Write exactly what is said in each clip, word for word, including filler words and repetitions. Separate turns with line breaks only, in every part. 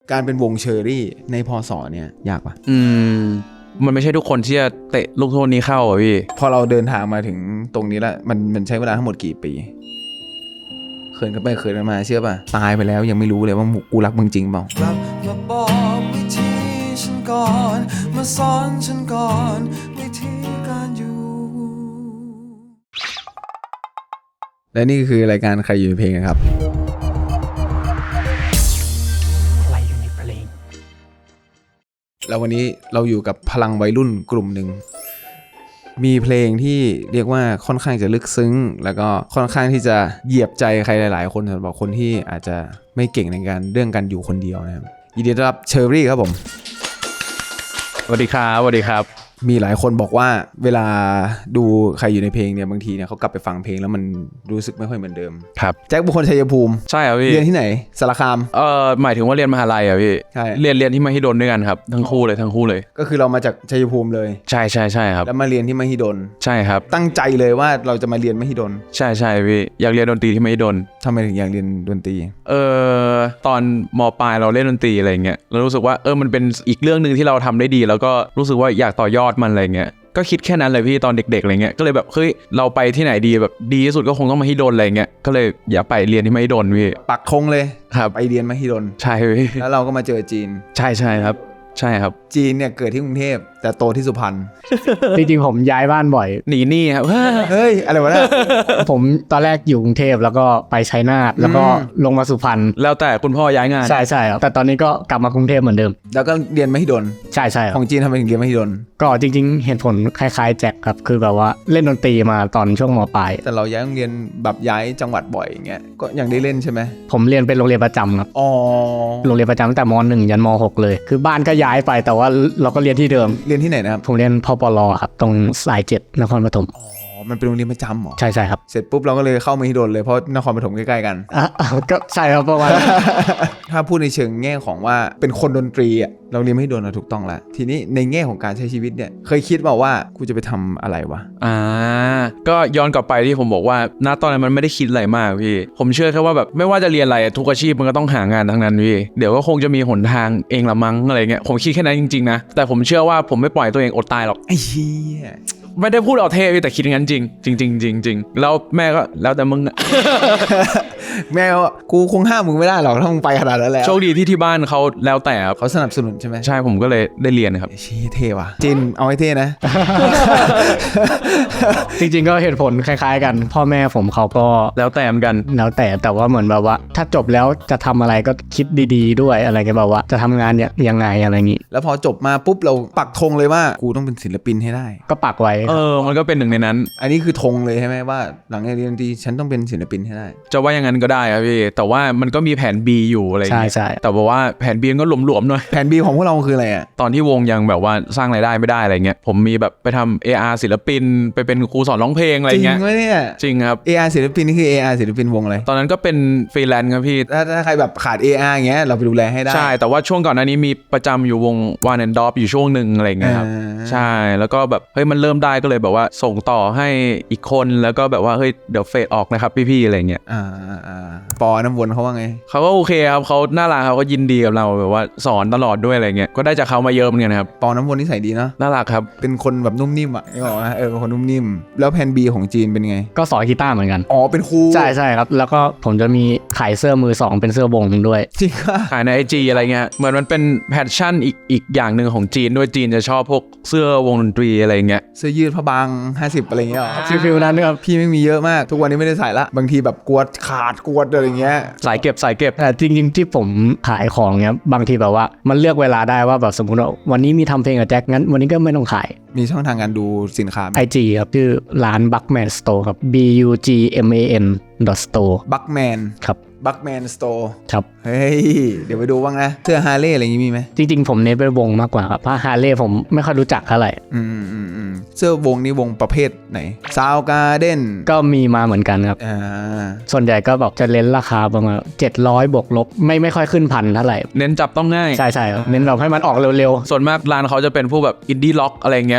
การเป็นวงเชอรี่ในพศเนี่ยยากปะ
อืมมันไม่ใช่ทุกคนที่จะเตะลูกโทษนี้เข้าอ่ะพี่
พอเราเดินทางมาถึงตรงนี้แล้วมันมันใช้เวลาทั้งหมดกี่ปีเขินกันไปเขินกันมาเชื่อป่ะตายไปแล้วยังไม่รู้เลยว่ากูรักมึงจริงเปล่ากลับมาบอกวิธีฉันก่อนมาสอนฉันก่อนวิธีการอยู่และนี่คือรายการใครอยู่ในเพลงครับใครอยู่ในเพลงแล้ววันนี้เราอยู่กับพลังวัยรุ่นกลุ่มหนึ่งมีเพลงที่เรียกว่าค่อนข้างจะลึกซึ้งแล้วก็ค่อนข้างที่จะเหยียบใจใครหลายๆคนสำหรับคนที่อาจจะไม่เก่งในการเรื่องการอยู่คนเดียวนะครับยินดีต้อนรับเชอรี่ครับผม
สวัสดีครับสวัสดีครับ
มีหลายคนบอกว่าเวลาดูใครอยู่ในเพลงเนี่ยบางทีเนี่ยเขากลับไปฟังเพลงแล้วมันรู้สึกไม่ค่อยเหมือนเดิม
ครับ
แจ็คบุคคลชัยภูมิ
ใช่ครับพี่
เรียนที่ไหนสารคาม
เอ่อหมายถึงว่าเรียนมหาลัยอ่ะพี่
ใช่
เรียนเรียนที่มหิดลด้วยกันครับทั้งคู่เลยทั้งคู่เลย
ก็คือเรามาจากชัยภูมิเลย
ใช่ใช่ใช่ครับ
แล้วมาเรียนที่มหิดล
ใช่ครับ
ตั้งใจเลยว่าเราจะมาเรียนมหิดล
ใช่ใช่พี่อยากเรียนดนตรีที่มหิดล
ทำไมถึงอยากเรียนดนตรี
เออตอนม.ปลายเราเล่นดนตรีอะไรเงี้ยเรารู้สึกว่าเออมันเป็นอีกเรื่องนึงที่เราทำได้ดีแล้วก็รู้สึกว่าอยากต่อยอดมันอะไรเงี้ยก็คิดแค่นั้นเลยพี่ตอนเด็กๆอะไรเงี้ยก็เลยแบบเฮ้ยเราไปที่ไหนดีแบบดีที่สุดก็คงต้องมหิดลอะไรเงี้ยก็เลยอย่าไปเรียนที่มหิดลพี่
ปักธงเลย
ครับ
ไปเรียนมหิดล
ใช่พี่
แล้วเราก็มาเจอจีน
ใช่ใช่ครับใช่ครับ
จีนเนี่ยเกิดที่กรุงเทพแต่โตที่สุพรรณ
จริงๆผมย้ายบ้านบ่อย
หนีหนี้ครับ
เฮ้ยอะไรวะเนี่ย
ผมตอนแรกอยู่กรุงเทพแล้วก็ไปชัยนาทแล้วก็ลงมาสุพรรณ
แล้วแต่คุณพ่อย้ายงาน
ใช่ใช่ครับแต่ตอนนี้ก็กลับมากรุงเทพเหมือนเดิม
แล้วก็เรียนมหิดล
ใช่ใช่
ของจีนทำไมถึงเรียนมหิดล
ก็จริงๆเหตุผลคล้ายๆแจ็คครับคือแบบว่าเล่นดนตรีมาตอนช่วงม.ปลาย
แต่เราย้ายโรงเรียนแบบย้ายจังหวัดบ่อยอย่างเงี้ยก็ยังได้เล่นใช่ไหม
ผมเรียนเป็นโรงเรียนประจำครับ
อ๋อ
โรงเรียนประจำตั้งแต่ม.หนึ่งยันม.หกเลยคือบ้านก็ย้ายไปแต่ว่าเราก็เรียนที่เดิม
เรียนที่ไหนนะครับ
ผมเรียนพปล.ครับตรงสายเจ็ดนครปฐม
อ๋อมันเป็นโรงเรียนประจำเหรอ
ใช่ใช่ครับ
เสร็จปุ๊บเราก็เลยเข้ามหิดลเลยเพราะนครปฐมใกล้ๆกัน
อ่ะก็ใช่ครับประมาณ
ถ้าพูดในเชิงแง่ของว่าเป็นคนดนตรีอ่ะเราเรียนมหิดลถูกต้องแล้วทีนี้ในแง่ของการใช้ชีวิตเนี่ยเคยคิดเปล่าว่ากูจะไปทำอะไรวะ
อ่าก็ย้อนกลับไปที่ผมบอกว่าณตอนนั้นมันไม่ได้คิดอะไรมากพี่ผมเชื่อแค่ว่าแบบไม่ว่าจะเรียนอะไรทุกอาชีพมันก็ต้องหางานทั้งนั้นพี่เดี๋ยวก็คงจะมีหนทางเองละมั้งอะไรเงี้ยผมคิดแค่นั้นจริงๆนะแต่ผมเชื่อว่าผมไม่ปล่อยตัวเองอดตายหรอก
ไอ้เหี้ย
ไม่ได้พูดเอาเท่พี่แต่คิดงั้นจริงจริงจริงจริงจริงแล้วแม่ก็แล้วแต่มึง
แม่ก็กูคงห้ามมึงไม่ได้หรอกถ้ามึงไปขนาดนั้นแล้ว
โชคดีที่ที่บ้านเขาแล้วแต่ครับ
เขาสนับสนุนใช่ไหม
ใช่ผมก็เลยได้เรียนครับ
ชี้เท่ว่ะจินเอาให้เท่นะ
จริงๆก็เหตุผลคล้ายๆกันพ่อแม่ผมเขาก็
แล้วแต่เหมือนกัน
แล้วแต่แต่ว่าเหมือนแบบว่าถ้าจบแล้วจะทำอะไรก็คิดดีๆด้วยอะไรกันแบบว่าจะทำงานยังไงอะไรอย่างงี้
แล้วพอจบมาปุ๊บเราปักธงเลยว่ากูต้องเป็นศิลปินให้ได้
ก็ปักไว้
เออมันก็เป็นหนึ่งในนั้น
อันนี้คือธงเลยใช่ไหมว่าหลังจากเรียนดนตรีฉันต้องเป็นศิลปินให้ได้
จะว่าอย่างนั้นก็ได้ครับพี่แต่ว่ามันก็มีแผน B อยู่อะไรอย่างเงี้ย
ใช่
แต่บอกว่าแผน B ก็หลวมๆหน่อย
แผน B ของพวกเราคืออะไรอ่ะ
ตอนที่วงยังแบบว่าสร้างรายได้ไม่ได้อะไรเงี้ยผมมีแบบไปทำ เอ อาร์ ศิลปินไปเป็นครูสอนร้องเพลงอะไรเงี้ย
จริงไหมเนี่ย
จริงครับ
เอ อาร์ ศิลปินนี่คือ เอ อาร์ ศิลปินวงอะไร
ตอนนั้นก็เป็นฟรีแลนซ์ครับพี่
ถ้าถ้าใครแบบขาด เอ อาร์ อย่างเงี้ยเราไปดูแลให้ได้
ใช่แต่ว่าช่วงก่อนหน้านี้มีประจำอยู่วง One and Dop อยู่ช่วงนึงอะไรเงี้ยครับใช่แล้วก็แบบเฮ้ยมันเริ่มได้ก็เลยแบบว่าส่งต่อให้อีกคนแล้วก็แบบว่าเฮ้ยเดี๋ยวเฟดออกนะครับพี่ๆอะไรเงี้ย
อ่าอ่าปอน้ำวนเขาว่าไง
เขาก็โอเคครับเขาน่ารักเขาก็ยินดีกับเราแบบว่าสอนตลอดด้วยอะไรเงี้ยก็ได้จากเขามาเยอะเหมือนกันครับ
ปอน้ำวนนิสัยดีเนาะ
น่ารักครับ
เป็นคนแบบนุ่มนิ่มอ่ะไม่บอกว่าเออเป็นคนนุ่มนิ่มแล้วแผน B ของจีนเป็นไง
ก็สอนกีตาร์เหมือนกัน
อ๋อเป็นครู
ใช่ใช่ครับแล้วก็ผมจะมีขายเสื้อมือสองเป็นเสื้อวงนึงด้วย
จริงค่ะ
ขายใน ไอ จี อะไรเงี้ยเหมือนมันเป็นแพชชั่นอีกอีกอย่างนึงของจีนด้วยจีนจะชอบพวกเสื้อวงดนตรีอะไรเงี้ย
เสื้อยืดผ้าบางห้าสิบอะไรเงี้ย
ฟิลๆนั้นครับ
พี่ไม่มีเยอะมากทุกวันนี้ไม่ได้ใส่ละบางทีแบบกวดขาดกวดอะไรเงี้ย
สายเก็บสายเก็บ
แต่จริงๆที่ผมขายของเนี้ยบางทีแบบว่ามันเลือกเวลาได้ว่าแบบสมมุติว่าวันนี้มีทำเพลงกับแจ็คงั้นวันนี้ก็ไม่ต้องขาย
มีช่องทางการดูสินค้า
ไอ จี ครับชื่อร้าน Buckman Store ครับ B U G M A N .store
Buckman
ครับ
บัคแมนสโตร์
ครับ
เฮ้ยเดี๋ยวไปดูบ้างนะเสื้อฮาร์เลย์อะไรอย่างงี้มีไหม
จริงๆผมเน้นเป็นวงมากกว่าครับเพราะฮาร์เลย์ผมไม่ค่อยรู้จักเท่าไหร่
อืมอืมอืมเสื้อวงนี้วงประเภทไหนซาวการ์เด้น
ก็มีมาเหมือนกันครับ
อ่า
ส่วนใหญ่ก็แบบจะเน้นราคาประมาณเจ็ดร้อยบวกลบไม่ไม่ค่อยขึ้นพันเท่าไหร่
เน้นจับต้องง่าย
ใช่ๆครับเน้นแบบให้มันออกเร็ว
ๆส่วนมากร้านเขาจะเป็นพวกแบบอินดี้ล็อกอะไรเงี้ย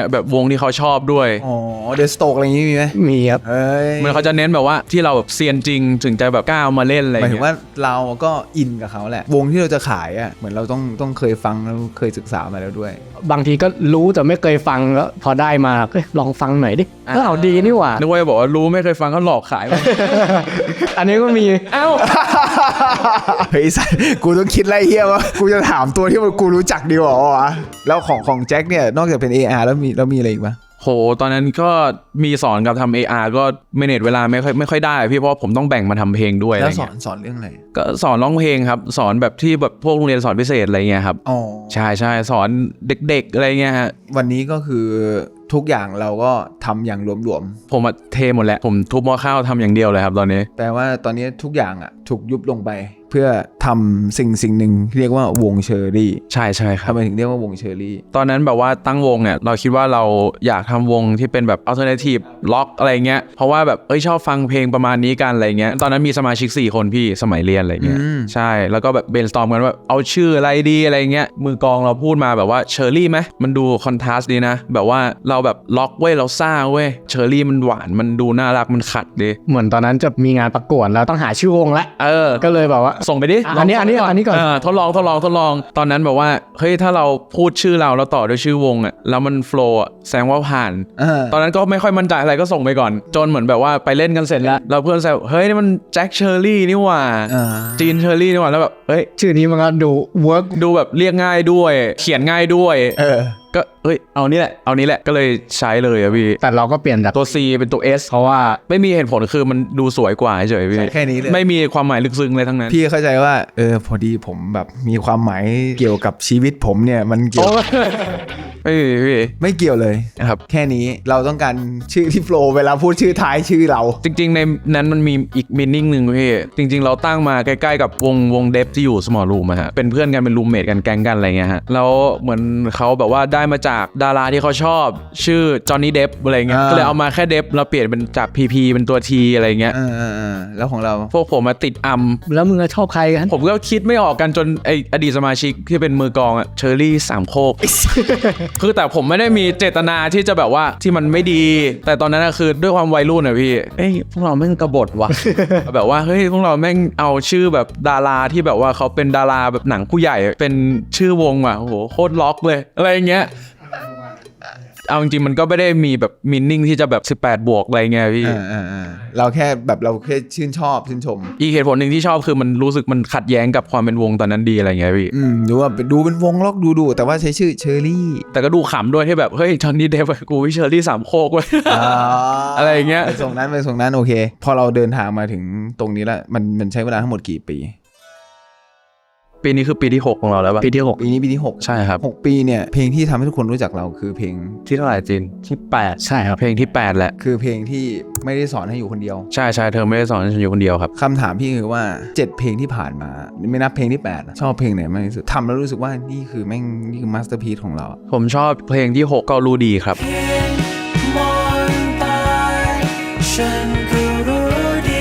งี้ยแบบวงที่เขาชอบด้วย
อ๋อเดอะสโตกอะไรอย่างงี้มีไหม
มีครับ
เอ้ย
มันเขาจะเน้นแบบว่าที่เราแบบเซียนจริงถึงจะแบบกล้ามาเล่นอะไร
หมายถึ
เงี้
ง
ย
ว่าเราก็อินกับเขาแหละวงที่เราจะขายอ่ะเหมือนเราต้องต้องเคยฟังแล้วเคยศึกษามาแล้วด้วย
บางทีก็รู้แต่ไม่เคยฟังแล้วพอได้มาเอ้ยลองฟังหน่อยดิเออเอาดีนี่หว่า
นึกว่าจะบอกว่ารู้ไม่เคยฟังเขาหลอกขาย
อันนี้ก็มีเอ้า
เฮ้ยสัสกูต้องคิดไรเฮียว่ากูจะถามตัวที่มันกูรู้จักดีกว่าวะแล้วของของแจ็คเนี่ยนอกจากเป็น เอ อาร์ แล้วมีแล้วมีอะไรอีกปะ
โหตอนนั้นก็มีสอนกับทำ เอ อาร์ ก็เมเนจเวลาไม่ค่อยไม่ค่อยได้พี่เพราะผมต้องแบ่งมาทำเพลงด้วยอะไร
แล้วสอ
เงี้
น
ย
สอนเรื่องอะไร
ก็สอนร้องเพลงครับสอนแบบที่แบบพวกโรงเรียนสอนพิเศษอะไรเงี้ยครับ
อ๋อ
ใช่ใช่สอนเด็กๆอะไรเงี้ยฮะ
วันนี้ก็คือทุกอย่างเราก็ทำอย่างหลวม
ผมอะเทหมดแหละผมทุบหม้อข้าวทำอย่างเดียวเลยครับตอนนี้
ๆแปลว่าตอนนี้ทุกอย่างอ่ะถูกยุบลงไปเพื่อทำสิ่งสิ่งหนึ่งเรียกว่าวงเชอรี่
ใช่ใช่ครั
ทำ
บ
ไมถึงเรียกว่าวงเชอรี่
ตอนนั้นแบบว่าตั้งวงเนี่ยเราคิดว่าเราอยากทำวงที่เป็นแบบ alternative rock อะไรเงี้ยเพราะว่าแบบเอ้ยชอบฟังเพลงประมาณนี้กันอะไรเงี้ยตอนนั้นมีสมาชิกสี่คนพี่สมัยเรียนอะไรเงี้ยใช่แล้วก็แบบ brainstorm กันว่าเอาชื่ออะไรดีอะไรเงี้ยมือกลองเราพูดมาแบบว่าเชอรี่ไหมมันดูคอนทราสต์ดีนะแบบว่าเราแบบล็อกเว้ยเราซ่าเว้ยเชอรี่มันหวานมันดูน่ารักมันขัดดี
เหมือนตอนนั้นจะมีงานประกวดแล้วต้องหาชื่อวงละ
เออ
ก็เลยแบบว่า
ส่งไปดิ
อันนี้อันนี้อันนี้ก่อน
เออทดลองทดลองทดลองตอนนั้นแบบว่าเฮ้ยถ้าเราพูดชื่อเราแล้วต่อด้วยชื่อวงอ่ะแล้วมันโฟล์อ่ะแสดงว่าผ่าน
เออ
ตอนนั้นก็ไม่ค่อยมั่นใจอะไรก็ส่งไปก่อนจนเหมือนแบบว่าไปเล่นกันเสร็จแล้วแล้วเพื่อนแซวเฮ้ยนี่มันแจ็คเชอร์รี่นี่หว่า
อ่า
จีนเชอร์รี่นี่หว่าแล้วแบบเฮ้ย
ชื่อนี้มันก็ดูเวิร์ก
ดูแบบเรียกง่ายด้วยเขียนง่ายด้วย
เออ
ก็เฮ้ยเอานี่แหละเอานี้แหละก็เลยใช้เลยอะพี่
แต่เราก็เปลี่ยนจาก
ตัว C เป็นตัว S
เพราะว่า
ไม่มีเหตุผลคือมันดูสวยกว่าเฉยๆพี่
แค่นี้เลย
ไม่มีความหมายลึกซึ้งเลยทั้งนั้น
พี่เข้าใจว่าเออพอดีผมแบบมีความหมายเกี่ยวกับชีวิตผมเนี่ยมันเกี่ยว
ไม่มีพี่
ไม่เกี่ยวเลย
ครับ
แค่นี้เราต้องการชื่อที่โฟล์เวลาพูดชื่อท้ายชื่อเรา
จริงๆในนั้นมันมีอีกมินนิ่งหนึ่งพี่จริงๆเราตั้งมาใกล้ๆกับวงวงเดฟที่อยู่สมอลรูมอะฮะเป็นเพื่อนกันเป็นรูมเมทกันแก๊งกันอะไรเงี้ยฮะแล้วเหมือนเขาแบบว่าได้มาจากดาราที่เขาชอบชื่อจอห์นนี่เดฟอะไรเงี้ย
อ่า
ก็เลยเอามาแค่เดฟเราเปลี่ยนเป็นจาก พี พี เป็นตัว T อะไรเงี้ย
เออเออเออแล้วของเรา
พวกผมมาติดอัม
แล้วมึงจะชอบใครกัน
ผมก็คิดไม่ออกกันจนไออดีตสมาชิกที่เป็นมือกลองอะเชอร์รี่สามโคก คือแต่ผมไม่ได้มีเจตนาที่จะแบบว่าที่มันไม่ดี แต่ตอนนั้นอะคือด้วยความวัยรุ่นอะพี่เอ้ยพวกเราแม่งกบฏว่ะ แบบว่าเฮ้ยพวกเราแม่งเอาชื่อแบบดาราที่แบบว่าเขาเป็นดาราแบบหนังผู้ใหญ่เป็นชื่อวงว่ะโอ้โหโคตรล็อกเลยอะไรอย่างเงี้ยเอาจริงๆมันก็ไม่ได้มีแบบมินนิ่งที่จะแบบสิบแปดบวกอะไรเงี้ยพี่
เออเออเออเราแค่แบบเราแค่ชื่นชอบชื่นชม
อีกเหตุผลหนึ่งที่ชอบคือมันรู้สึกมันขัดแย้งกับความเป็นวงตอนนั้นดีอะไรเงี้ยพี่
อืมดูว่าดูเป็นวงล็อกดูดูแต่ว่าใช้ชื่อเชอรี่
แต่ก็ดูขำด้วยที่แบบเฮ้ยจอห์นนี่เดฟกูวิเชอร์รี่สามโคกเว้ย อะไรอย่างเงี้ย
ไปส่งนั้นไปส่งนั้นโอเค พอเราเดินทางมาถึงตรงนี้แล้วมันมันใช้เวลาทั้งหมดกี่ปี
ปีนี้คือปีที่หกของเราแล้วป่ะ
ปีที่หก
ปีนี้ปีที่หก
ใช่ครับ
หกปีเนี่ยเพลงที่ทำให้ทุกคนรู้จักเราคือเพลง
ที่เท่าไหร่จีนที่แปด
ใช่ครับ
เพลงที่แปดแหละ
คือเพลงที่ไม่ได้สอนให้อยู่คนเดียว
ใช่ใช่เธอไม่ได้สอนให้ฉันอยู่คนเดียวครับ
คำถามพี่คือว่าเจ็ดเพลงที่ผ่านมาไม่นับเพลงที่แปดอะชอบเพลงไหนมากที่สุดทำแล้วรู้สึกว่านี่คือแม่งนี่คือมาสเตอร์พีซของเราอะ
ผมชอบเพลงที่หกก็รู้ดีครับ
มองไปฉันก็รู้ดี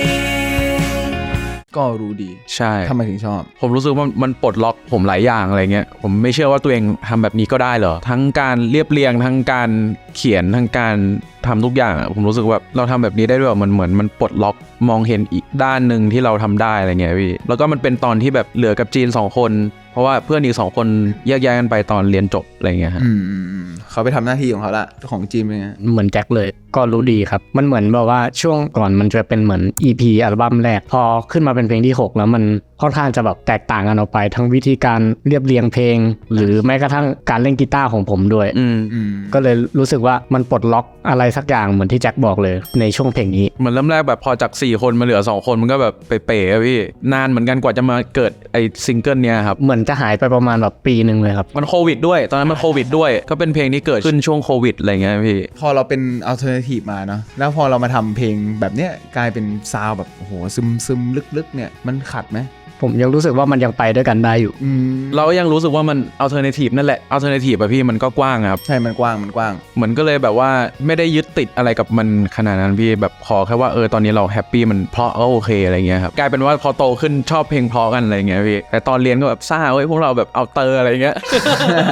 ก็รู้ดี
ใช่
ทำไมถึงชอบ
ผมรู้สึกว่ามันปลดล็อกผมหลายอย่างอะไรเงี้ยผมไม่เชื่อว่าตัวเองทำแบบนี้ก็ได้เหรอทั้งการเรียบเรียงทั้งการเขียนทั้งการทำทุกอย่างอะผมรู้สึกว่าเราทำแบบนี้ได้ด้วยมันเหมือนมันปลดล็อกมองเห็นอีกด้านหนึ่งที่เราทำได้อะไรเงี้ยพี่แล้วก็มันเป็นตอนที่แบบเหลือกับจีนสองคนเพราะว่าเพื่อนอีกสองคนแยกย้ายกันไปตอนเรียนจบอะไรเงี้ยฮะ
อืมอืมอืมเขาไปทำหน้าที่ของเขาละของจีนเป็นไง
เหมือนแจ็คเลยก็รู้ดีครับมันเหมือนแบบว่าช่วงก่อนมันจะเป็นเหมือน อี พี อัลบั้มแรกพอขึ้นมาเป็นเพลงที่หกแล้วมันค่อนข้างจะแบบแตกต่างกันออกไปทั้งวิธีการเรียบเรียงเพลง หรือแม้กระทั่งการเล่นกีตาร์ของผมด้วย
อืม
อืม
ก็เลยรู้สึกว่ามันปลดล็อกอะไรสักอย่างเหมือนที่แจ็คบอกเลยในช่วงเพลงนี้
เหมือนเริ่มแรกแบบพอจากสี่คนมาเหลือสองคนมันก็แบบเป๋ๆอะพี่นานเหมือนกันกว่าจะมาเกิดไอ้ซิงเกิลเนี้ยครับ
เหมือนจะหายไปประมาณแบบปีหนึ่งเลยครับ
มันโควิดด้วยตอนนั้นมันโควิดด้วยก็เป็นเพลงที่เกิดขึ้นช่วงโควิดอะไรเงี้ยพี่
พอเราเป็นอัลเทอร์เนทีฟมาเนาะแล้วพอเรามาทำเพลงแบบเนี้ยกลายเป็นซาวด์แบบโอ้โหซึมซึมลึกๆเนี่ยมันขัดไหม
ผมยังรู้สึกว่ามันยังไปด้วยกันได้อยู่
อืม
เรายังรู้สึกว่ามันอัลเทอร์เนทีฟนั่นแหละอัลเทอร์เนทีฟอะพี่มันก็กว้างครับ
ใช่มันกว้างมันกว้าง
เหมือนก็เลยแบบว่าไม่ได้ยึดติดอะไรกับมันขนาดนั้นพี่แบบขอแค่ว่าเออตอนนี้เราแฮปปี้มันเพราะก็โอเคอะไรเงี้ยครับกลายเป็นว่าพอโตขึ้นชอบเพลงเพราะกันอะไรเงี้ยพี่แต่ตอนเรียนก็แบบซ่าเว้ยพวกเราแบบเอาเตอร์อะไรเงี้ย
เออ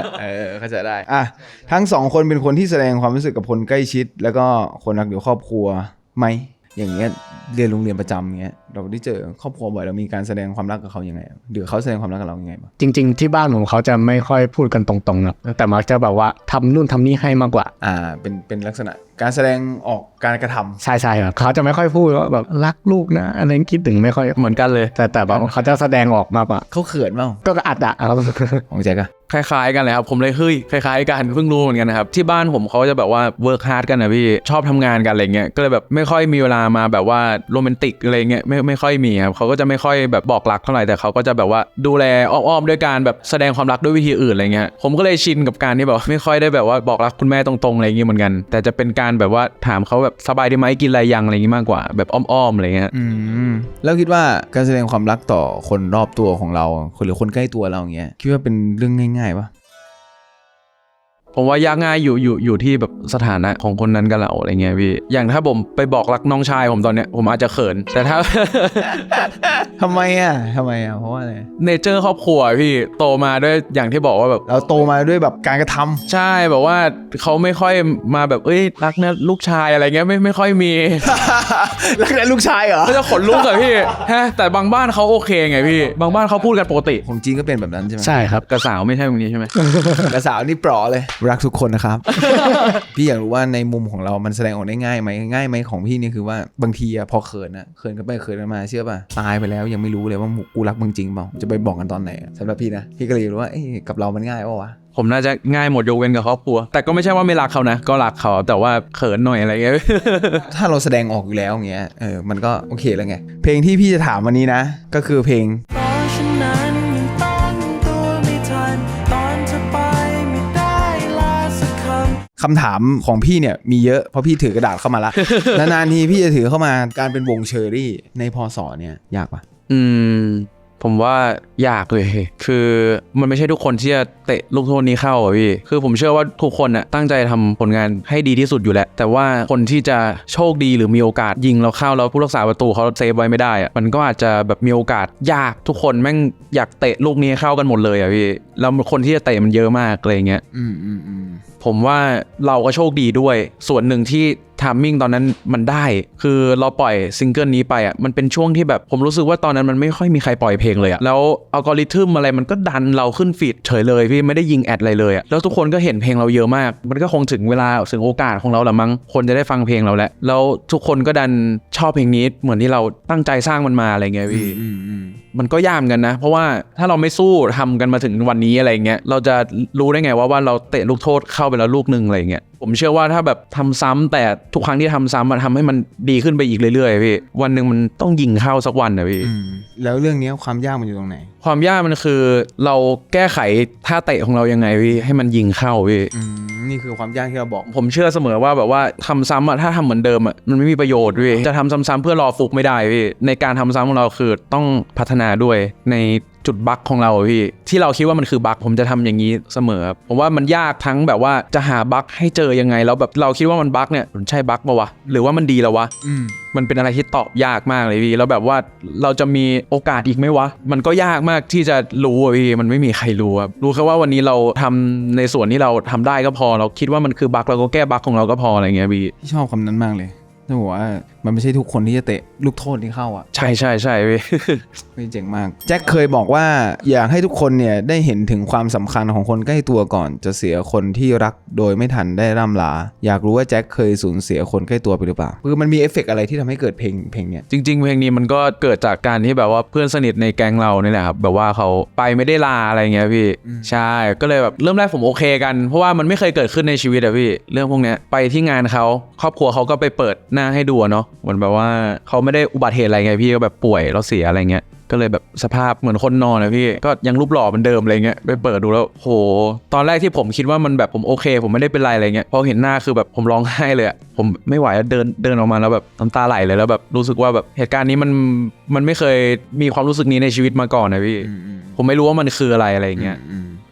เข้าใจได้อ่ะทั้งสองคนเป็นคนที่แสดงความรู้สึกกับคนใกล้ชิดแล้วก็คนรักเดี่ยวครอบครัวไหมอย่างเงี้ยเรียนโรงเรียนประจำเงี้ยเราได้เจอครอบครัวบ่อยเรามีการแสดงความรักกับเขายังไงหรือเขาแสดงความรักกับเรายังไงบ้าง
จริงๆที่บ้านผมเขาจะไม่ค่อยพูดกันตรงๆนะแต่มักจะแบบว่าทำนู่นทำนี่ให้มากกว่า
อ่าเป็นเป็นลักษณะการแสดงออกการกระทำ
ใช่ใช่ครับเขาจะไม่ค่อยพูดว่าแบบรักลูกนะอะไรคิดถึงไม่ค่อย
เหมือนกันเลย
แต่แต่แบบเขาจะแสดงออกมากกว่า
เขาเขินเปล่า
ก็อัดอะครับ
ของแจ็คอะ
คล้ายๆกันเลยครับผมเลยเฮ้ยคล้ายๆกันเพิ่งรู้เหมือนกันนะครับที่บ้านผมเขาจะแบบว่าเวิร์คฮาร์ดกันนะพี่ชอบทำงานกันอะไรเงี้ยก็เลยแบบไม่ค่อยมีเวลามาแบบว่าโรแมนติกอะไรเงี้ยไม่ไม่ค่อยมีครับเขาก็จะไม่ค่อยแบบบอกรักเท่าไหร่แต่เขาก็จะแบบว่าดูแลอ้อมๆด้วยการแบบแสดงความรักด้วยวิธีอื่นอะไรเงี้ยผมก็เลยชินกับการที่แบบไม่ค่อยได้แบบว่าบอกรักคุณแม่ตรงๆอะไรเงี้ยเหมือนกันแต่จะเป็นการแบบว่าถามเขาแบบสบายดีไหมกินอะไรยังอะไรเงี้ยมากกว่าแบบอ้อมๆอะไรเงี้ย
อืมแล้วคิดว่าการแสดงความรักต่อคนรอบตัวของเราหรือคนใกล้ตัวเราอย่างเงี้ยคิดว่าเป็นเรื่องง่ายๆปะ
ผมว่ายากง่ายอยู่อยู่อยู่ที่แบบสถานะของคนนั้นกับเราอะไรเงี้ยพี่อย่างถ้าผมไปบอกรักน้องชายผมตอนเนี้ยผมอาจจะเขินแต่ถ้า
ทำไมอ่ะทำไมอ่ะเพราะว่าอะไร
เนเจอร์ครอบครัวพี่โตมาด้วยอย่างที่บอกว่าแบบ
เราโตมาด้วยแบบการกระทำ
ใช่แบบว่าเขาไม่ค่อยมาแบบเอ้ยรักนะลูกชายอะไรเงี้ยไม่ไม่ค่อยมี
รักนะลูกชายเหรอ
ก็จะขนลุกอะพี่ฮะแต่บางบ้านเขาโอเคไงพี่บางบ้านเขาพูดกันปกติ
ของจีนก็เป็นแบบนั้นใช่ไหม
ใช่ครับ
กระสาวไม่ใช่ตรงนี้ใช่ไหม
กระสาวนี่ปลอเลยรักทุกคนนะครับ พี่อยากรู้ว่าในมุมของเรามันแสดงออกได้ง่ายไหมง่ายไหมของพี่นี่คือว่าบางทีอะพอเขินอะเขินกันไปเขินกันมาเชื่อป่ะตายไปแล้วยังไม่รู้เลยว่ากูรักมึงจริงเปล่าจะไปบอกกันตอนไหนสำหรับพี่นะพี่ก็เลยรู้ว่าเอ้กับเรามันง่ายป่ะวะ
ผมน่าจะง่ายหมดยกเว้นกับครอบครัวแต่ก็ไม่ใช่ว่าไม่รักเขานะก็รักเขาแต่ว่าเขินหน่อยอะไรเงี้ย
ถ้าเราแสดงออกอยู่แล้วอย่างเงี้ยเออมันก็โอเคแล้วไงเพลงที่พี่จะถามวันนี้นะก็คือเพลงคำถามของพี่เนี่ยมีเยอะเพราะพี่ถือกระดาษเข้ามาละ นานๆทีพี่จะถือเข้ามาการเป็นวงเชอรี่ในพศเนี่ยยากปะ
อืมผมว่ายากเลยคือมันไม่ใช่ทุกคนที่จะเตะลูกโทษนี้เข้าอ่ะพี่คือผมเชื่อว่าทุกคนน่ะตั้งใจทำผลงานให้ดีที่สุดอยู่แล้วแต่ว่าคนที่จะโชคดีหรือมีโอกาสยิงเราเข้าแล้วผู้รักษาประตูเขาเซฟไว้ไม่ได้อ่ะมันก็อาจจะแบบมีโอกาสยากทุกคนแม่งอยากเตะลูกนี้เข้ากันหมดเลยอ่ะพี่แล้วคนที่จะเตะมันเยอะมากอะไรเงี้ย
อืมอืมอืม
ผมว่าเราก็โชคดีด้วยส่วนหนึ่งที่ทามมิ่งตอนนั้นมันได้คือเราปล่อยซิงเกิลนี้ไปอ่ะมันเป็นช่วงที่แบบผมรู้สึกว่าตอนนั้นมันไม่ค่อยมีใครปล่อยเพลงเลยอ่ะแล้วอัลกอริทึมอะไรมันก็ดันเราขึ้นฟีดเฉยเลยพี่ไม่ได้ยิงแอดอะไรเลยอ่ะแล้วทุกคนก็เห็นเพลงเราเยอะมากมันก็คงถึงเวลาถึงโอกาสของเราละมั้งคนจะได้ฟังเพลงเราแล้วแล้วทุกคนก็ดันชอบเพลงนี้เหมือนที่เราตั้งใจสร้างมันมาอะไรเงี้ยพี่มันก็ยากกันนะเพราะว่าถ้าเราไม่สู้ทำกันมาถึงวันนี้อะไรเงี้ยเราจะรู้ได้ไงว่าว่าเราเตะลูกโทษเข้าไปแล้วลูกนึงอะไรเงี้ยผมเชื่อว่าถ้าแบบทำซ้ำแต่ทุกครั้งที่ทำซ้ำมันทำให้มันดีขึ้นไปอีกเรื่อยๆพี่วันหนึ่งมันต้องยิงเข้าสักวันนะพี่
แล้วเรื่องนี้ความยากมันอยู่ตรงไหน
ความยากมันคือเราแก้ไขท่าเตะของเรายังไงพี่ให้มันยิงเข้าพี่
นี่คือความยากที่เราบอก
ผมเชื่อเสมอว่าแบบว่าทำซ้ำอะถ้าทำเหมือนเดิมอะมันไม่มีประโยชน์พี่จะทำซ้ำๆเพื่อรอฟุกไม่ได้พี่ในการทำซ้ำของเราคือต้องพัฒนาด้วยในจุดบั๊กของเราพี่ที่เราคิดว่ามันคือบั๊กผมจะทำอย่างนี้เสมอผมว่ามันยากทั้งแบบว่าจะหาบั๊กให้เจอยังไงแล้วแบบเราคิดว่ามันบั๊กเนี่ยมันใช่บั๊กป่าววะหรือว่ามันดีแล้ววะมันเป็นอะไรที่ตอบยากมากเลยพี่แล้วแบบว่าเราจะมีโอกาสอีกไหมวะมันก็ยากมากที่จะรู้อ่ะพี่มันไม่มีใครรู้ครับรู้แค่ว่าวันนี้เราทำในส่วนที่เราทำได้ก็พอเราคิดว่ามันคือบั๊กเราก็แก้บั๊กของเราก็พออะไรเงี้ยพี่
ชอบคำนั้นมากเลยจะบอกว่ามันไม่ใช่ทุกคนที่จะเตะลูกโทษที่เข้าอ่ะ
ใช่ใช่ใช่พี่
ไม่เจ๋งมากแจ็คเคยบอกว่าอยากให้ทุกคนเนี่ยได้เห็นถึงความสำคัญของคนใกล้ตัวก่อนจะเสียคนที่รักโดยไม่ทันได้ร่ำลาอยากรู้ว่าแจ็คเคยสูญเสียคนใกล้ตัวไปหรือเปล่าคือมันมีเอฟเฟกต์อะไรที่ทำให้เกิดเพลงเพลงเนี้ย
จริงๆเพลงนี้มันก็เกิดจากการที่แบบว่าเพื่อนสนิทในแก๊งเรานี่แหละครับแบบว่าเขาไปไม่ได้ลาอะไรเงี้ยพี่ใช่ก็เลยแบบเริ่มแรกผมโอเคกันเพราะว่ามันไม่เคยเกิดขึ้นในชีวิตอะพี่เรื่องพวกเนี้ยไปที่งานเขาครอบครัวเขาก็ไปเปิดหน้าให้ดูเนาะเหมือนแบบว่าเขาไม่ได้อุบัติเหตุอะไรไงพี่ก็แบบป่วยแล้วเสียอะไรเงี้ยก็เลยแบบสภาพเหมือนคนนอนนะพี่ก็ยังรูปหล่อเหมือนเดิมอะไรเงี้ยไปเปิดดูแล้วโหตอนแรกที่ผมคิดว่ามันแบบผมโอเคผมไม่ได้เป็นไรอะไรเงี้ยพอเห็นหน้าคือแบบผมร้องไห้เลยอะผมไม่ไหวเดินเดินออกมาแล้วแบบน้ำตาไหลเลยแล้วแบบรู้สึกว่าแบบเหตุการณ์นี้มันมันไม่เคยมีความรู้สึกนี้ในชีวิตมาก่อนนะพี่ผมไม่รู้ว่ามันคืออะไรอะไรเงี้ยผ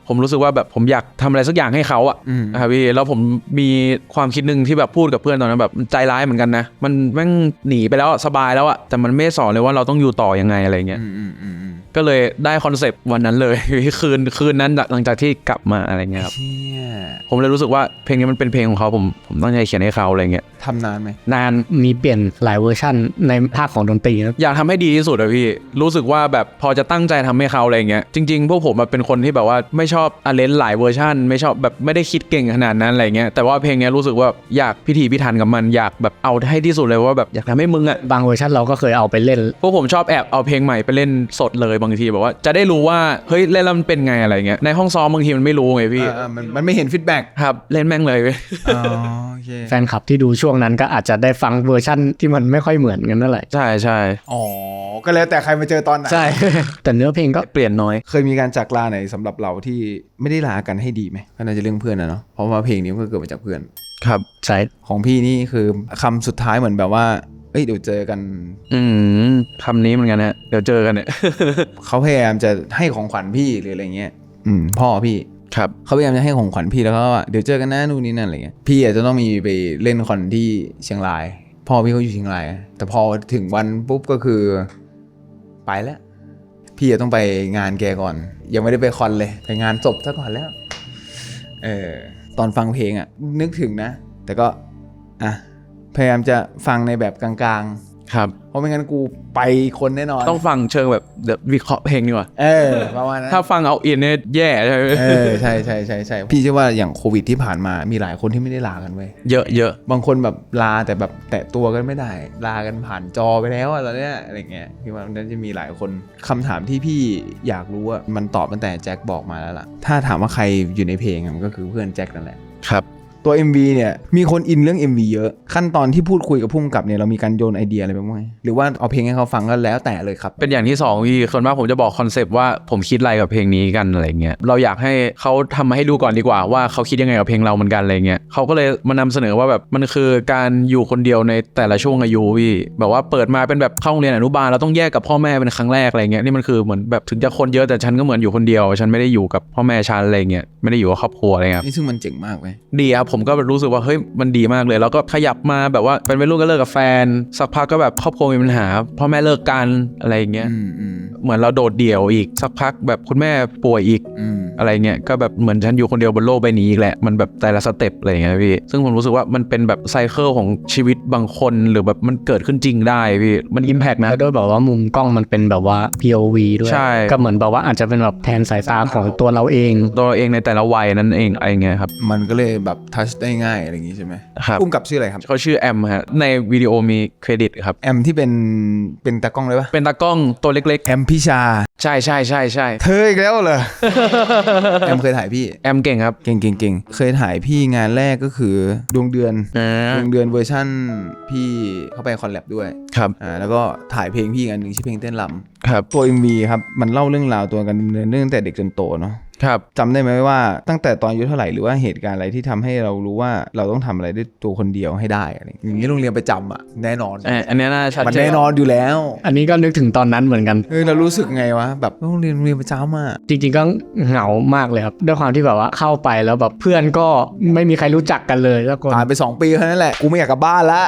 ผมรู้สึกว่าแบบผมอยากทำอะไรสักอย่างให้เขาอะ
อืม
นะครับพี่แล้วผมมีความคิดหนึ่งที่แบบพูดกับเพื่อนตอนนั้นแบบใจร้ายเหมือนกันนะมันแม่งหนีไปแล้วสบายแล้วอะแต่มันไม่สอนเลยว่าเราต้องอยู่ต่อยังไงอะไรเงี้ย
อืมอืมอืมอืม
ก็เลยได้คอนเซปต์วันนั้นเลย คืนคืนนั้นหลังจากที่กลับมาอะไรเงี้ยครับ
เชี่ย
ผมเลยรู้สึกว่าเพลงนี้มันเป็นเพลงของเขาผมผมตั้งใจเขียนให้เขาอะไรเงี้ย
ทำนานไหม
นาน
มีเปลี่ยนหลายเวอร์ชันในภาคของดนตรีนะ
อยากทำให้ดีที่สุดอะพี่รู้สึกว่าแบบพอจะตั้งใจทำให้เขาอะไรเงี้ยจริงๆพวกผมอะเป็นคนที่แบบว่าไม่ชอบอาเลนหลายเวอร์ชันไม่ชอบแบบไม่ได้คิดเก่งขนาดนั้นอะไรเงี้ยแต่ว่าเพลงนี้รู้สึกว่าอยากพิถีพิถันกับมันอยากแบบเอาให้ที่สุดเลยว่าแบบอยากทำให้มึงอะ
บางเวอร์ชันเราก็เคยเอาไปเล่น
พวกผมชอบแอบเอาเพลงใหม่ไปเล่นสดเลยบางทีแบบว่าจะได้รู้ว่าเฮ้ยเล่นแล้วมันเป็นไงอะไรเงี้ยในห้องซ้อมบางทีมันไม่รู้ไงพี่
เออเออมันมันไม่เห็นฟีดแบ็ก
ครับเล่นแม่งเลยเว้ย
อ๋อโอเค
แฟนคลับที่ดูช่วงนั้นก็อาจจะได้ฟังเวอร์ชั่นที่มันไม่ค่อยเหมือนกันนั่นแหละ
ใช่ใช่
อ๋อก็แล้วแต่ใครมาเจอตอนไหน
ใช่ แต่เนื้อเพลงก็
เปลี่ยนน้อย
เคยมีการจากลาไหนสำหรับเราที่ไม่ได้ลากันให้ดีไหมก็น่าจะเรื่องเพื่อนนะเนาะเพราะว่าเพลงนี้มันก็เกิดมาจากเพื่อน
ครับ
ใช่
ของพี่นี่คือคำสุดท้ายเหมือนแบบว่าเอ้ยเดี๋ยวเจอกัน
อืมคำนี้เหมือนกันฮะเดี๋ยวเจอกันเนี่ย
เขาพยายามจะให้ของขวัญพี่หรืออะไรเงี้ยอืมพ่อพี่
ครับ
เขาพยายามจะให้ของขวัญพี่แล้วก็ว่าเดี๋ยวเจอกันนะนู่นนี่นั่นอะไรเงี้ยพี่อาจจะต้องมีไปเล่นคอนที่เชียงรายพ่อพี่เขาอยู่เชียงรายแต่พอถึงวันปุ๊บก็คือไปแล้ว พี่จะต้องไปงานแกก่อน ยังไม่ได้ไปคอนเลยไปงานศพซะก่อนแล้วเออตอนฟังเพลงอ่ะนึกถึงนะ แต่ก็อ่ะพยายามจะฟังในแบบกลางๆ
ครับ
เพราะไม่งั้นกูไปคนแน่นอน
ต้องฟังเชิงแบบเดี๋ยววิเคราะห์เพลงดีกว่า
เออประมาณนั้น
ถ้าฟังเอาอินเนี่ยแย่ใช่ไหม
เออใช่ใช่ใช่ใช่พี่เชื่อว่าอย่างโควิดที่ผ่านมามีหลายคนที่ไม่ได้ลากันเว้ย
เยอะเยอะ
บางคนแบบลาแต่แบบแตะตัวกันไม่ได้ลากันผ่านจอไปแล้วอะตอนเนี้ยอะไรเงี้ยพี่ว่ามันจะมีหลายคนคำถามที่พี่อยากรู้อะมันตอบตั้งแต่แจ็คบอกมาแล้วล่ะถ้าถามว่าใครอยู่ในเพลงอะมันก็คือเพื่อนแจ็คนั่นแหละ
ครับ
ตัว เอ็ม วี เนี่ยมีคนอินเรื่อง เอ็ม วี เยอะขั้นตอนที่พูดคุยกับผู้กำกับเนี่ยเรามีการโยนไอเดียอะไรไปบ้างไหมหรือว่าเอาเพลงให้เขาฟังก็แล้วแต่เลยครับ
เป็นอย่างที่สองพี่ส่วนมากผมจะบอกคอนเซปต์ว่าผมคิดอะไรกับเพลงนี้กันอะไรเงี้ยเราอยากให้เขาทำมาให้ดูก่อนดีกว่าว่าเขาคิดยังไงกับเพลงเราเหมือนกันอะไรเงี้ยเขาก็เลยมานำเสนอว่าแบบมันคือการอยู่คนเดียวในแต่ละช่วงอายุพี่แบบว่าเปิดมาเป็นแบบเข้าโรงเรียนอนุบาลเราต้องแยกกับพ่อแม่เป็นครั้งแรกอะไรเงี้ยนี่มันคือเหมือนแบบถึงจะคนเยอะแต่ฉันก็เหมือนอยู่คนเดียวฉันไม่ได้อยู่กับพ่อแม่ฉันอะไรเงี้ยไม่ได้อยู่กับครอบครัวอะไรเงี้ย
นี่ซึ่งมันเจ๋งมากเว้ย
ดีครับผมก็รู้สึกว่าเฮ้ยมันดีมากเลยแล้วก็ขยับมาแบบว่าเป็นวัยรุ่นก็เลิกกับแฟนสักพักก็แบบครอบครัวมีปัญหาพ่อแม่เลิกกันอะไรอย่างเงี้ย
อืมอืม
เหมือนเราโดดเดี่ยวอีกสักพักแบบคุณแม่ป่วยอีก
อืม
อะไรเงี้ยก็แบบเหมือนฉันอยู่คนเดียวบนโลกใบนี้อีกแหละมันแบบแต่ละสเต็ปอะไรอย่างเงี้ยพี่ซึ่งผมรู้สึกว่ามันเป็นแบบไซเคิลของชีวิตบางคนหรือแบบมันเกิดขึ้นจริงได้พี่มันอิมแพกนะ
แล้วด้วยแบบว่ามุมกล้องมันเป็นแบบว่า พี โอ วี ด้วย
ใช่
ก็เหมือนแบบว่าอาจจะเป็นแบบแทนสายตาของตัวเราเอง
ตัวเราเองในแต่ละวัยนั้นเองอะไรเงี้ยครับ
มันก็เลยแบบทัชได้ง่ายอะไรอย่างงี้ใช่ไหม
ครับ
พุ่มกับชื่ออะไรครับ
เขาชื่อแอมฮะในวิดีโอมีเครดิตครับ
แอมที่เป็นเป็นตากล้องเลยปะ
เป็นตากล้องตัวเล็ก
แอมพิชา
ๆ ใช่ใช่ใช่ใช่
เธออีกแล้วเหรอ แอมเคยถ่ายพี่
แอมเก่งครับ
เก่งเก่งเก่งเคยถ่ายพี่งานแรกก็คือดวงเดือน
อ่า
ดวงเดือนเวอร์ชั่นพี่เข้าไปคอลแลบด้วย
ครับ
อ่าแล้วก็ถ่ายเพลงพี่อันหนึ่งชื่อเพลงเต้นร
ครับ
ำตัว เอ็ม วี ครับมันเล่าเรื่องราวตัวกันดำเนินเรื่องตั้งแต่เด็กจนโตเนาะ
ครับ
จำได้ไหมว่าตั้งแต่ตอนอายุเท่าไหร่หรือว่าเหตุการณ์อะไรที่ทำให้เรารู้ว่าเราต้องทำอะไรด้วยตัวคนเดียวให้ได้อะไรอย่างนี้โรงเรียนประจำอ่ะแน่นอน
เอ่ออันเนี้ยน่าชัด
มัน
เจน
แน่นอนอยู่แล้ว
อันนี้ก็นึกถึงตอนนั้นเหมือนกัน
เฮ้ยเรารู้สึกไงวะแบบโรงเรียนโรงเรียนประจำอ่ะ
จริงๆก็เหงามากเลยครับด้วยความที่แบบว่าเข้าไปแล้วแบบเพื่อนก็ไม่มีใครรู้จักกันเลยแล้วก็
ผ่านไปสองปีเท่านั้นแหละกูไม่อยากกลับบ้านละ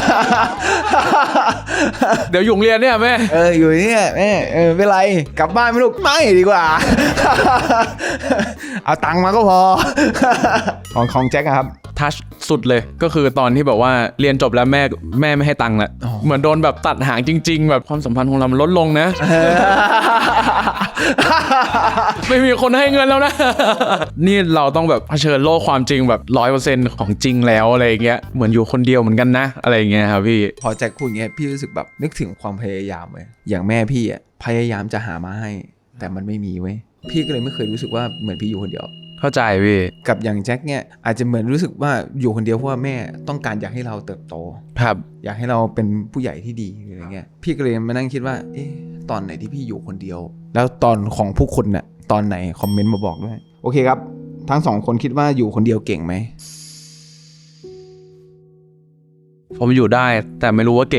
เดี๋ยวอยู่โรงเรียนเนี่ยแม่
เอออยู่เนี่ยแม่เออไม่เป็นไรกลับบ้านไม่ลูกไม่ดีกว่า เอาตังค์มาก็พอ ของของแจ็คอะครับ
ทัชสุดเลยก็คือตอนที่แบบว่าเรียนจบแล้วแม่แม่ไม่ให้ตังค์ละ
อ๋อ
เหมือนโดนแบบตัดหางจริง ๆ แบบความสัมพันธ์ของเรามันลดลงนะ ไม่มีคนให้เงินแล้วนะ นี่เราต้องแบบเผชิญโลกความจริงแบบร้อยเปอร์เซ็นต์ของจริงแล้วอะไรอย่างเงี้ยเหมือนอยู่คนเดียวเหมือนกันนะอะไรอย่างเงี้ยครับพี่
พอแจ็คพูดอย่างเงี้ยพี่รู้สึกแบบนึกถึงความพยายามเลยอย่างแม่พี่อ่ะพยายามจะหามาให้ แต่มันไม่มีเว้ยพี่ก็เลยไม่เคยรู้สึกว่าเหมือนพี่อยู่คนเดียว
เข้าใจพี่
กับอย่างแจ็คเนี่ยอาจจะเหมือนรู้สึกว่าอยู่คนเดียวเพราะว่าแม่ต้องการอยากให้เราเติบโต
ครับ
อยากให้เราเป็นผู้ใหญ่ที่ดีอะไรเงี้ยพี่ก็เลยมานั่งคิดว่าเอ๊ะตอนไหนที่พี่อยู่คนเดียว แล้วตอนของผู้คนน่ะตอนไหนคอมเมนต์มาบอกด้วยโอเคครับทั้งสองคนคิดว่าอยู่คนเดียวเก่งไหม
ผมอยู่ได้แต่ไม่รู้ว่าเก่งไหม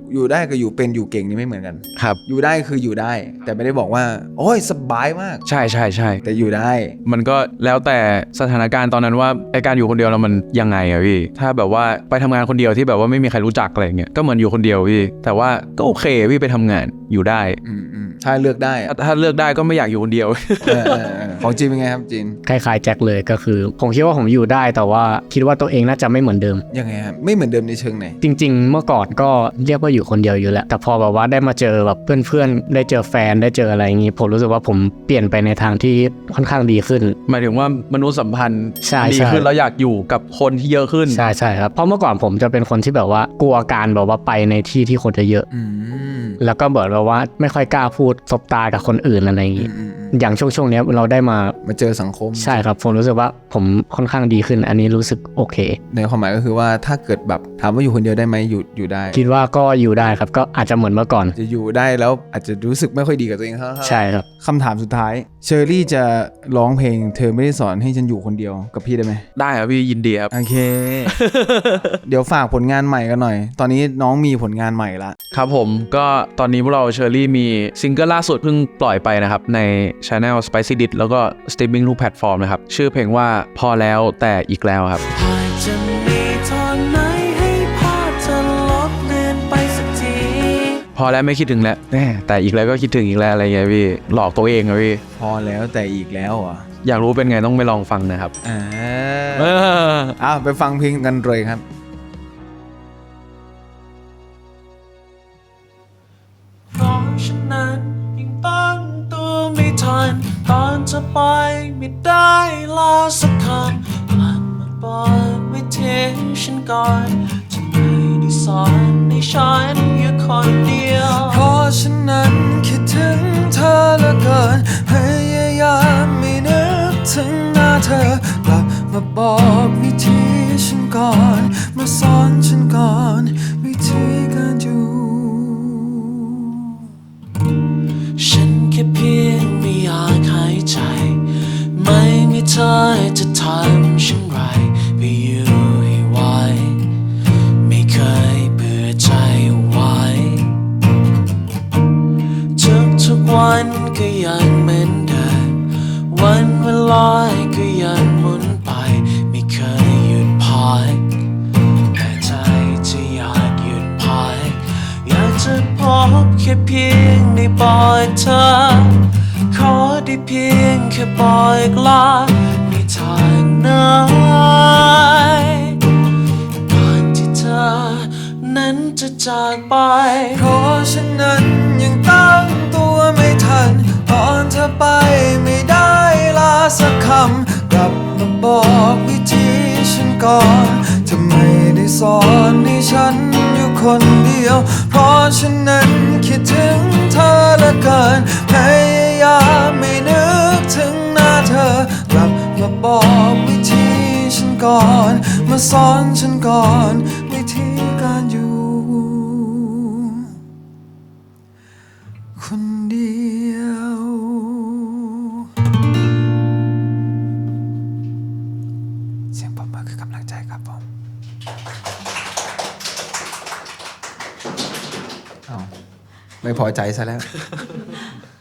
อยู่ได้กับอยู่เป็นอยู่เก่งนี่ไม่เหมือนกัน
ครับ
อยู่ได้คืออยู่ได้ แต่ไม่ได้บอกว่าโอ้ยสบายมาก
ใช่ใช่ใช่
แต่อยู่ได้
มันก็แล้วแต่สถานการณ์ตอนนั้นว่าไอการอยู่คนเดียวแล้วมันยังไงอะพี่ถ้าแบบว่าไปทำงานคนเดียวที่แบบว่าไม่มีใครรู้จักอะไรเงี้ยก็เหมือนอยู่คนเดียวพี่แต่ว่าก็โอเคพี่ไปทำงานอยู่ได้
อืมอืมถ้าเลือกได้อะ
ถ้าเลือกได้ก็ไม่อยากอยู่คนเดียว
เออเออเออของจีนเป็นไงครับจีน
คล้ายๆแจ็คเลยก็คือ ผมคิดว่าผมอยู่ได้แต่ว่าคิดว่าตัวเองน่าจะไม่เหมือนเดิม
ยังไงครับไม่เหมือนเดิมในเชิงไหน
จริง ๆ เมื่อก่อนก็เรียกว่าอยู่คนเดียวอยู่แล้วแต่พอแบบว่าได้มาเจอแบบเพื่อนๆได้เจอแฟนได้เจออะไรอย่างงี้ผมรู้สึกว่าผมเปลี่ยนไปในทางที่ค่อนข้างดีขึ้น
หมายถึงว่ามนุษยสัมพันธ์
ใช่
ดี
ใช่
ขึ้นแล้วอยากอยู่กับคนที่เยอะขึ้น
ใช่ใช่ครับเพราะเมื่อก่อนผมจะเป็นคนที่แบบว่ากลัวการแบบว่าไปในที่ที่คนเยอะ
อืม
ๆแล้วก็เบิดแบบว่าไม่ค่อยกล้าพูดสบตากับคนอื่นอะไรอย่าง
อื
งี้
มอืมอืม
อย่างช่วงช่วงๆเนี้ยเราได้มา
มาเจอสังคม
ใช่ครับผมรู้สึกว่าผมค่อนข้างดีขึ้น อันนี้รู้สึกโอเค
ในความหมายก็คือว่าถ้าเกิดแบบถามว่าอยู่คนเดียวได้ไหมอยู่อยู่ได้
คิดว่าก็อยู่ได้ครับก็อาจจะเหมือนเมื่อก่อน
จะอยู่ได้แล้วอาจจะรู้สึกไม่ค่อยดีกับตัวเองเท่าไหร่
ใช่ครับ
คำถามสุดท้ายเชอรี่จะร้องเพลงเธอไม่ได้สอนให้ฉันอยู่คนเดียวกับพี่ได้ไหม
ได้ครับพี่ยินดีครับ
โอเค เดี๋ยวฝากผลงานใหม่กันหน่อย ตอนนี้น้องมีผลงานใหม่ละ
ครับผมก็ตอนนี้พวกเราเชอรี่มีซิงเกิลล่าสุดเพิ่งปล่อยไปนะครับใน Channel Spicy Dit แล้วก็ Streaming ทุกแพลตฟอร์มนะครับชื่อเพลงว่าพอแล้วแต่อีกแล้วครับ
หากจะมีทางไหนให้ภาพเธอลบเลือนไปสักที
พอแล้วไม่คิดถึงแล้วแหม่แต่อีกแล้วก็คิดถึงอีกแล้วอะไรเงี้ยพี่หลอกตัวเองอะพี่
พอแล้วแต่อีกแล้วเหรอ่ะ
อยากรู้เป็นไงต้องไปลองฟังนะครับ
อ่า
เออ
อ้าวไปฟังเพลงกันเลยครับ
เพราะฉะนั้นยังตั้งตัวไม่ทันตอนจะไปไม่ได้ลาสักคำกลับมาบอกไม่ทิ้งฉันก่อนจะไม่ได้สอนให้ฉันอยู่คนเดียวเพราะฉะนั้นคิดถึงเธอเหลือเกินพยายามไม่นึกถึงหน้าเธอกลับมาบอกวิธีฉันก่อนมาสอนฉันก่อนวิธีการอยู่ ฉันแค่เพียงไม่อยากหายใจไม่มีเธอจะทำฉันไรไปอยู่ให้ไหวไม่เคยเบื่อใจไว้ทุกทุกๆวันก็ยังเหมือนเดิมวันเวลาก็ยังหมุนไปไม่เคยหยุดพักแต่ใจจะอยากหยุดพักอยากจะพบแค่เพียงได้บอกเธอขอได้เพียงแค่บอกลาในทางไหนก่อนที่เธอนั้นจะจากไปเพราะฉะนั้นยังตั้งตัวไม่ทันตอนเธอไปไม่ได้ลาสักคำกลับมาบอกวิธีฉันก่อนจะไม่ได้สอนให้ฉันอยู่คนเดียวเพราะฉะนั้นคิดถึงเธอเหลือเกินพยายามไม่นึกถึงหน้าเธอกลับมาบอกวิธีฉันก่อนมาสอนฉันก่อนวิธีการอยู่คนเดียวเสียงปรบมือคือกำลังใจครับผมอ้าวไม่พอใจซะแล้ว